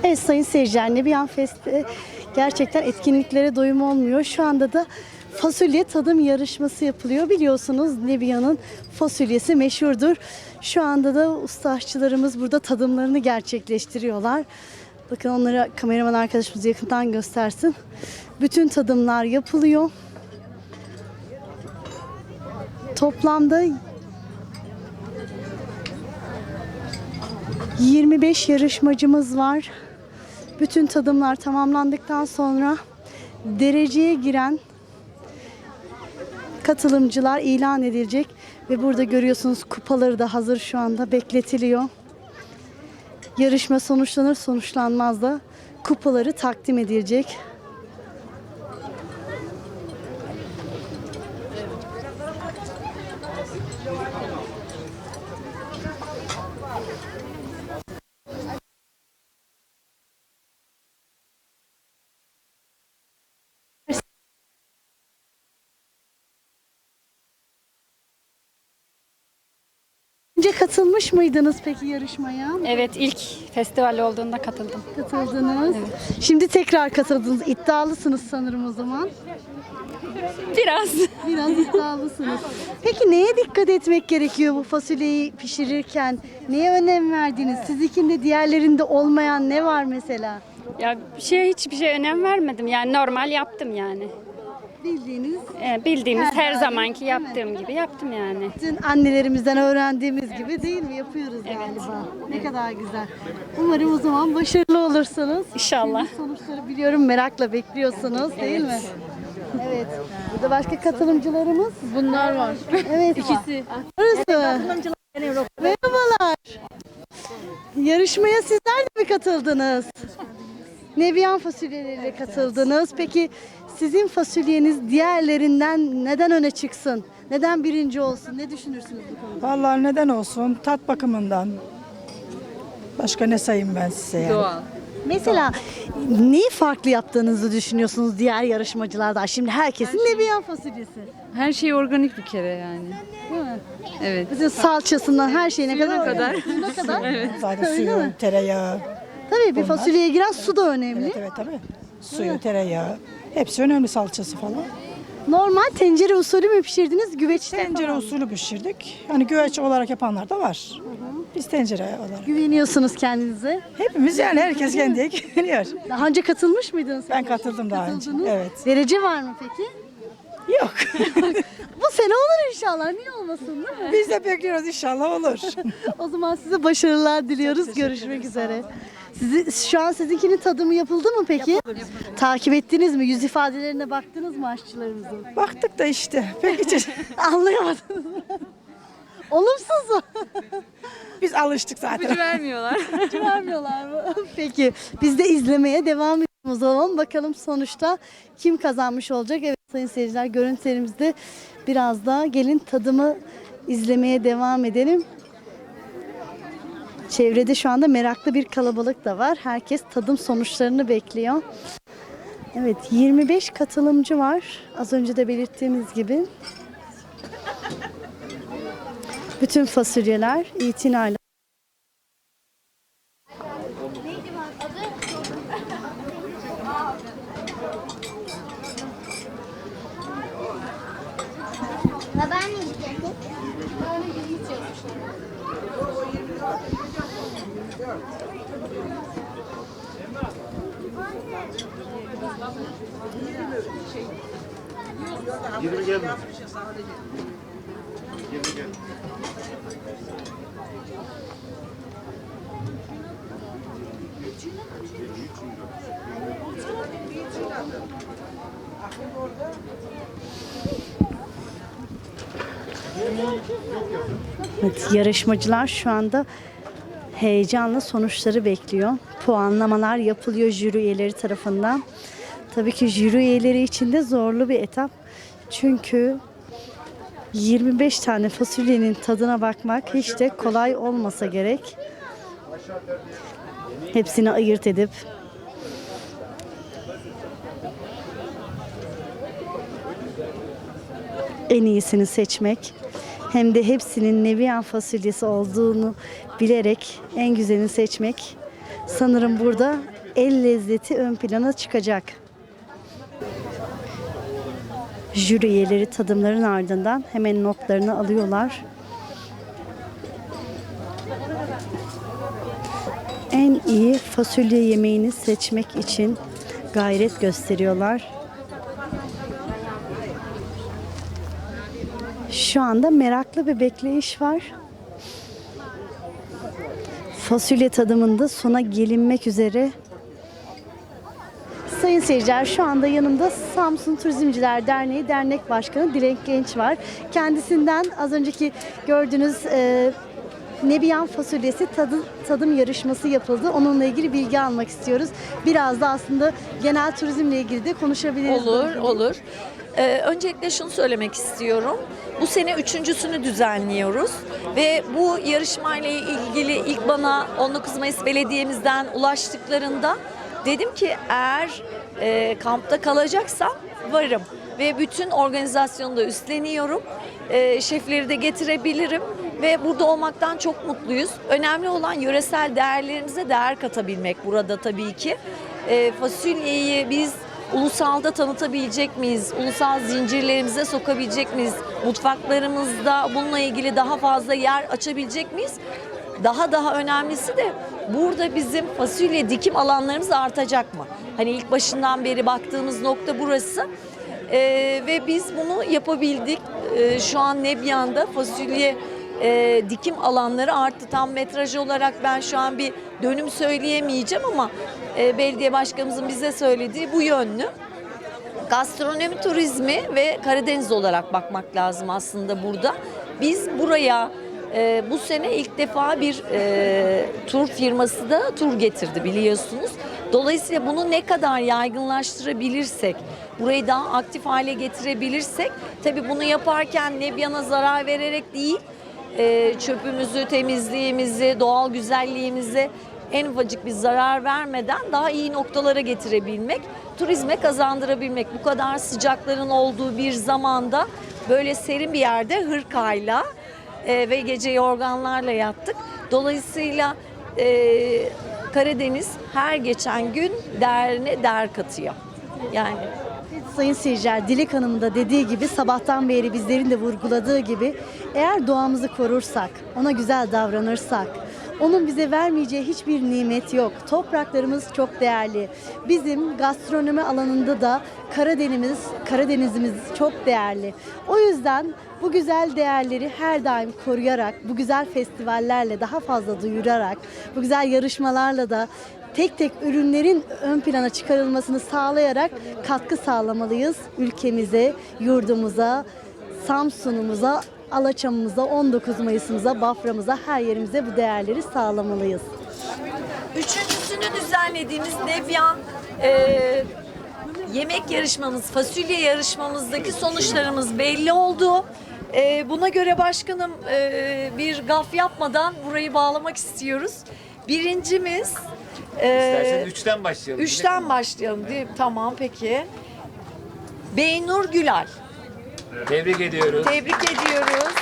Evet sayın seyirciler, Nebiyan Fest'te gerçekten etkinliklere doyum olmuyor. Şu anda da fasulye tadım yarışması yapılıyor. Biliyorsunuz Nebiyan'ın fasulyesi meşhurdur. Şu anda da usta aşçılarımız burada tadımlarını gerçekleştiriyorlar. Bakın onları kameraman arkadaşımız yakından göstersin. Bütün tadımlar yapılıyor. Toplamda 25 yarışmacımız var. Bütün tadımlar tamamlandıktan sonra dereceye giren katılımcılar ilan edilecek ve burada görüyorsunuz kupaları da hazır şu anda bekletiliyor. Yarışma sonuçlanır sonuçlanmaz da kupaları takdim edilecek. Önce katılmış mıydınız peki yarışmaya? Evet, ilk festival olduğunda katıldım. Katıldınız. Şimdi tekrar katıldınız. İddialısınız sanırım o zaman. Biraz. Biraz iddialısınız. Peki neye dikkat etmek gerekiyor bu fasulyeyi pişirirken? Neye önem verdiniz? Sizinkinde diğerlerinde olmayan ne var mesela? Ya hiçbir şey önem vermedim. Yani normal yaptım yani. Bildiğiniz Bildiğimiz her daim, zamanki değil mi? yaptığım gibi yaptım yani. bütün annelerimizden öğrendiğimiz gibi değil mi? Yapıyoruz galiba. Ne kadar güzel. Umarım o zaman başarılı olursunuz. İnşallah. Şimdi sonuçları biliyorum merakla bekliyorsunuz değil mi? Evet. Burada başka katılımcılarımız. Bunlar var. Evet. İkisi. Burası. Merhabalar. Yarışmaya sizler de mi katıldınız? Nebiyan fasulyeleriyle katıldınız. Peki sizin fasulyeniz diğerlerinden neden öne çıksın? Neden birinci olsun? Ne düşünürsünüz bu konuda? Vallahi neden olsun? Tat bakımından. Başka ne sayayım ben size yani? Doğal. Mesela neyi farklı yaptığınızı düşünüyorsunuz diğer yarışmacılardan? Şimdi herkesin Nebiyan fasulyesi. Her şey organik bir kere yani. Değil mi? Evet. Bütün salçasından her şeyine Suyuna kadar. kadar. Suyuna kadar. Zaten Öyle suyu, mi? tereyağı. Tabii bir fasulyeye giren su da önemli. Evet evet tabii. Suyu, tereyağı. Hepsi önemli, salçası falan. Normal tencere usulü mü pişirdiniz? Güveçte Tencere falan mı? usulü pişirdik. Hani güveç olarak yapanlar da var. Biz tencere olarak. Güveniyorsunuz kendinize. Hepimiz yani herkes kendiye güveniyor. Daha önce katılmış mıydınız? Ben katıldım daha önce. Katıldınız. Evet. Derece var mı peki? Yok. Bu sene olur inşallah. Niye olmasın değil mi? Biz de bekliyoruz, inşallah olur. O zaman size başarılar diliyoruz. Görüşmek üzere. Şu an sizinkinin tadımı yapıldı mı peki? Takip ettiniz mi? Yüz ifadelerine baktınız mı aşçılarımızın? Baktık da işte. Peki Anlayamadınız mı? Olumsuz mu? biz alıştık zaten. Vermiyorlar. Vermiyorlar mı? Peki biz de izlemeye devam edelim o zaman. Bakalım sonuçta kim kazanmış olacak? Evet sayın seyirciler, görüntülerimizde biraz daha gelin tadımı izlemeye devam edelim. Çevrede şu anda meraklı bir kalabalık da var. Herkes tadım sonuçlarını bekliyor. Evet 25 katılımcı var. Az önce de belirttiğimiz gibi. Bütün fasulyeler itinayla. Yirmi gelmez. 20 gelmez. Evet, yarışmacılar şu anda heyecanla sonuçları bekliyor. Puanlamalar yapılıyor jüri üyeleri tarafından. Tabii ki jüri üyeleri için de zorlu bir etap. Çünkü 25 tane fasulyenin tadına bakmak hiç de kolay olmasa gerek. Hepsini ayırt edip en iyisini seçmek, hem de hepsinin Nebiyan fasulyesi olduğunu bilerek en güzelini seçmek Sanırım burada el lezzeti ön plana çıkacak. Jüri üyeleri tadımların ardından hemen notlarını alıyorlar. En iyi fasulye yemeğini seçmek için gayret gösteriyorlar. Şu anda meraklı bir bekleyiş var. Fasulye tadımında sona gelinmek üzere. Sayın seyirciler, şu anda yanımda Samsun Turizmciler Derneği Dernek Başkanı Dilek Genç var. Kendisinden az önceki gördüğünüz Nebiyan fasulyesi tadım yarışması yapıldı. Onunla ilgili bilgi almak istiyoruz. Biraz da aslında genel turizmle ilgili de konuşabiliriz. Olur. Öncelikle şunu söylemek istiyorum. Bu sene üçüncüsünü düzenliyoruz ve bu yarışmayla ilgili ilk bana 19 Mayıs Belediye'mizden ulaştıklarında dedim ki eğer kampta kalacaksam varım ve bütün organizasyonu da üstleniyorum. Şefleri de getirebilirim ve burada olmaktan çok mutluyuz. Önemli olan yöresel değerlerimize değer katabilmek burada tabii ki. Fasulyeyi biz ulusalda tanıtabilecek miyiz? Ulusal zincirlerimize sokabilecek miyiz? Mutfaklarımızda bununla ilgili daha fazla yer açabilecek miyiz? Daha önemlisi de burada bizim fasulye dikim alanlarımız artacak mı? Hani ilk başından beri baktığımız nokta burası. Ve biz bunu yapabildik. Şu an Nebiyan'da fasulye dikim alanları arttı. Tam metraj olarak ben şu an bir dönüm söyleyemeyeceğim ama belediye başkanımızın bize söylediği bu yönlü. Gastronomi turizmi ve Karadeniz olarak bakmak lazım aslında burada. Biz buraya bu sene ilk defa bir tur firması da tur getirdi biliyorsunuz. Dolayısıyla bunu ne kadar yaygınlaştırabilirsek, burayı daha aktif hale getirebilirsek, tabii bunu yaparken Nebiyan'a zarar vererek değil, çöpümüzü, temizliğimizi, doğal güzelliğimizi en ufacık bir zarar vermeden daha iyi noktalara getirebilmek, turizme kazandırabilmek. Bu kadar sıcakların olduğu bir zamanda böyle serin bir yerde hırkayla ve gece yorganlarla yattık. Dolayısıyla Karadeniz her geçen gün değerine değer katıyor. Yani Sayın seyirciler, Dilek Hanım'ın da dediği gibi, sabahtan beri bizlerin de vurguladığı gibi, eğer doğamızı korursak, ona güzel davranırsak, onun bize vermeyeceği hiçbir nimet yok. Topraklarımız çok değerli. Bizim gastronomi alanında da Karadenizimiz çok değerli. O yüzden bu güzel değerleri her daim koruyarak, bu güzel festivallerle daha fazla duyurarak, bu güzel yarışmalarla da tek tek ürünlerin ön plana çıkarılmasını sağlayarak katkı sağlamalıyız ülkemize, yurdumuza, Samsun'umuza, Alaçam'ımıza, 19 Mayıs'ımıza, Bafra'mıza, her yerimize bu değerleri sağlamalıyız. üçüncüsünü düzenlediğimiz Nebiyan yemek yarışmamız, fasulye yarışmamızdaki sonuçlarımız belli oldu. Buna göre başkanım bir gaf yapmadan burayı bağlamak istiyoruz. Birincimiz İsterseniz 3'ten başlayalım. 3'ten başlayalım değil mi? Tamam peki. Beynur Gülal. Tebrik ediyoruz. Tebrik ediyoruz.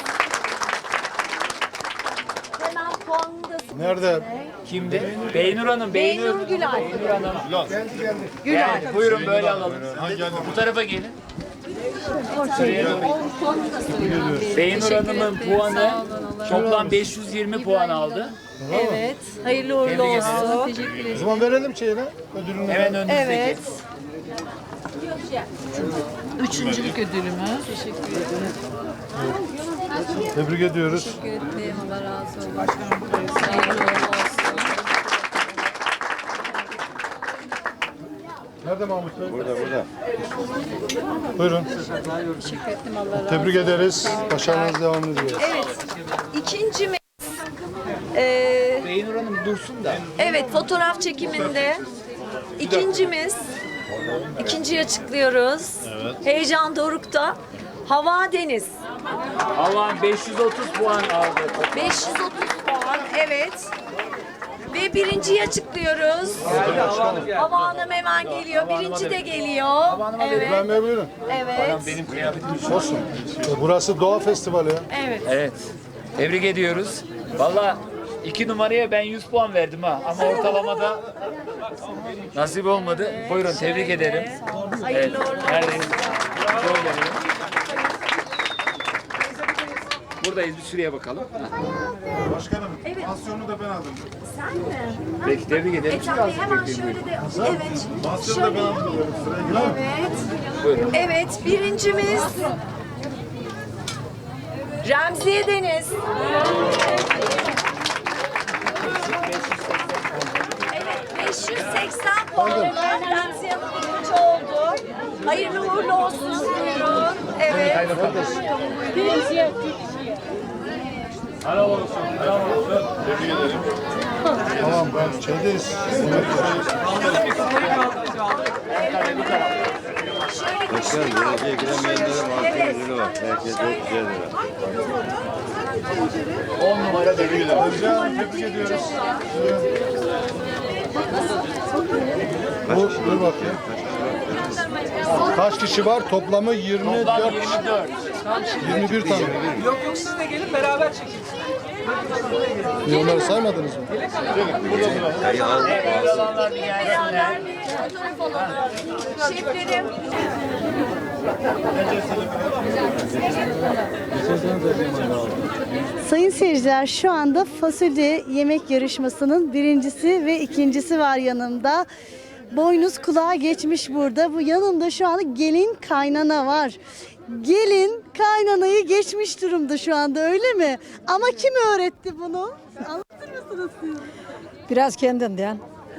Hemen puanını da Nerede? Kimdi? Beynur Hanım. Beynur Gülal. Beynur Hanım. Gülal. Evet, buyurun böyle alalım. Bu tarafa gelin. Beynur Hanım'ın puanı toplam 520 puan aldı. Evet. Hayırlı uğurlu olsun. O zaman verelim şeyine, ödülünü. Hemen önünüzdeki. Evet. Üçüncülük ödülümüz. Tebrik ediyoruz. Allah razı olsun. Hayırlı uğurlu olsun. Nerede Mahmut Bey? Burada. Buyurun. Teşekkür ettim. Allah razı olsun. Tebrik ederiz. Başarınız devam ediyor. Evet. İkincimiz Beynur Hanım dursun da. evet, fotoğraf çekiminde ikincimiz, ikinciyi açıklıyoruz. Heyecan dorukta. Hava Deniz. Allah'ım 530 puan aldı. 530 puan. Evet. Ve birinciyi açıklıyoruz. Hava Hanım hemen geliyor. Birinci de geliyor. Evet. İbrahim Bey buyurun. Evet. Benim kıyafetim Olsun. Burası Doğa Festivali ya. Evet. Evet. Tebrik ediyoruz. Valla 2 numaraya ben 100 puan verdim ha. Ama ortalamada nasip olmadı. Buyurun tebrik ederim. Evet. Neredeyiz? Şöyle verelim. Buradayız. Bir şuraya bakalım. Başkanım, pansiyonu da ben aldım. Peki tebrik ederim. Hemen şöyle de evet. Pansiyonu da ben aldım. Sıraya girer mi? Buyurun. Evet, birincimiz Remziye Deniz. Evet, 580 puanla Remziye Hanım birinci oldu. Hayırlı uğurlu olsun. Buyurun. Evet. Helal olsun. Helal olsun. Tamam, ben şeydeyiz. Geleceğe giremeyenlere mahkumları var. Herkes 400 lira. 10 numara tebrik ederim. Hocam, tebrik ediyoruz. Dur bakayım. Kaç kişi var? Toplamı 24 Toplam kişi. 24. 21 tane. Yok siz de gelin beraber çekin. Onları saymadınız mı? Sayı al. Evet, olanlar bir gelsinler. Beraber bir fotoğraf alalım. Şeflerim. Sayın seyirciler, şu anda fasulye yemek yarışmasının birincisi ve ikincisi var yanımda. Boynuz kulağa geçmiş burada. Bu yanımda şu anda gelin kaynana var. Gelin kaynanayı geçmiş durumda şu anda, öyle mi? Ama kim öğretti bunu? Anlatır mısınız siz? Biraz kendinden.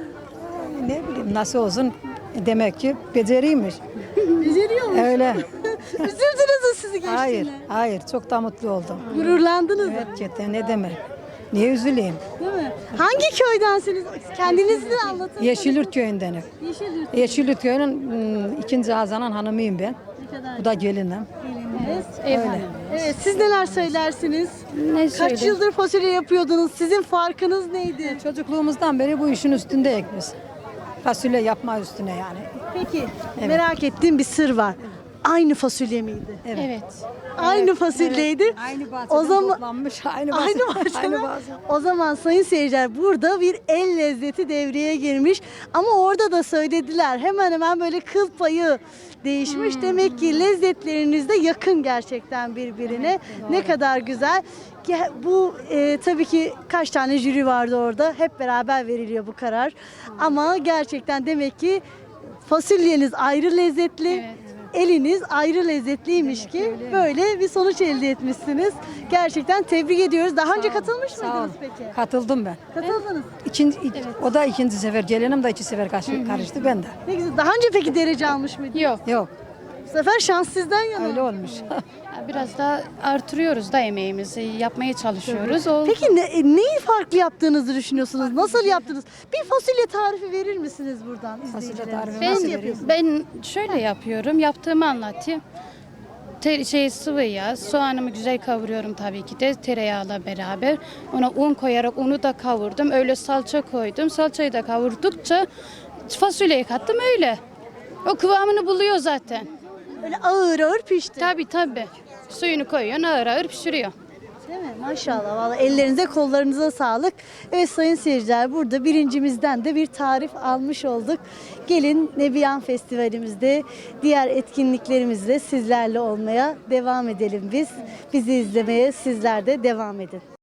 Ne bileyim nasıl olsun, demek ki beceriymiş. Beceriyor musun? Öyle. Üzüldünüz mü sizi geçtiğine? Hayır çok da mutlu oldum. Gururlandınız mı? Gerçekten ne demek. Niye üzüleyim? Değil mi? Hangi köydensiniz? Kendinizi de anlatın. Yeşilyurt köyündenim. Yeşilyurt. Yeşilyurt köyünün ikinci Hazanan hanımıyım ben. Ne kadar Bu da gelinim. gelininiz. Öyle. Evet, siz neler söylersiniz? Ne Kaç söyleyeyim? yıldır fasulye yapıyordunuz? Sizin farkınız neydi? Çocukluğumuzdan beri bu işin üstünde biz. Fasulye yapma üstüne yani. Peki, merak ettiğim bir sır var. Aynı fasulye miydi? Evet. Aynı fasulyeydi. Aynı bahçeden O zaman toplanmış. Aynı aynı bahçeden. bahçeden. O zaman sayın seyirciler, burada bir el lezzeti devreye girmiş. Ama orada da söylediler, hemen hemen böyle kıl payı değişmiş. Demek ki lezzetleriniz de yakın gerçekten birbirine. Ne kadar güzel. Bu tabii ki kaç tane jüri vardı orada. Hep beraber veriliyor bu karar. Ama gerçekten demek ki fasulyeniz ayrı lezzetli. Eliniz ayrı lezzetliymiş ki böyle bir sonuç elde etmişsiniz. Gerçekten tebrik ediyoruz. Daha önce katılmış Sağ ol. mıydınız peki? Katıldım ben. Katıldınız. O da ikinci sefer. Gelinim de iki sefer karıştı ben de. Ne güzel. Daha önce peki derece almış mıydınız? Yok. Yok Bu sefer şans sizden yana. öyle olmuş. Biraz daha artırıyoruz da emeğimizi. Yapmaya çalışıyoruz. O Peki neyi farklı yaptığınızı düşünüyorsunuz? Nasıl yaptınız? Bir fasulye tarifi verir misiniz buradan izleyicilerimize? tarifi ben, nasıl ben şöyle yapıyorum. Yaptığımı anlatayım. Sıvı yağ, soğanımı güzel kavuruyorum tabii ki de tereyağıyla beraber. Ona un koyarak unu da kavurdum. Öyle salça koydum. Salçayı da kavurdukça fasulyeyi kattım öyle. O kıvamını buluyor zaten. Öyle ağır ağır pişti. Tabii. Suyunu koyuyorsun, ağır ağır pişiriyor. Değil mi? Maşallah. Vallahi ellerinize kollarınıza sağlık. Evet sayın seyirciler, burada birincimizden de bir tarif almış olduk. Gelin Nebiyan Festivalimizde diğer etkinliklerimizde sizlerle olmaya devam edelim biz. Bizi izlemeye sizler de devam edin.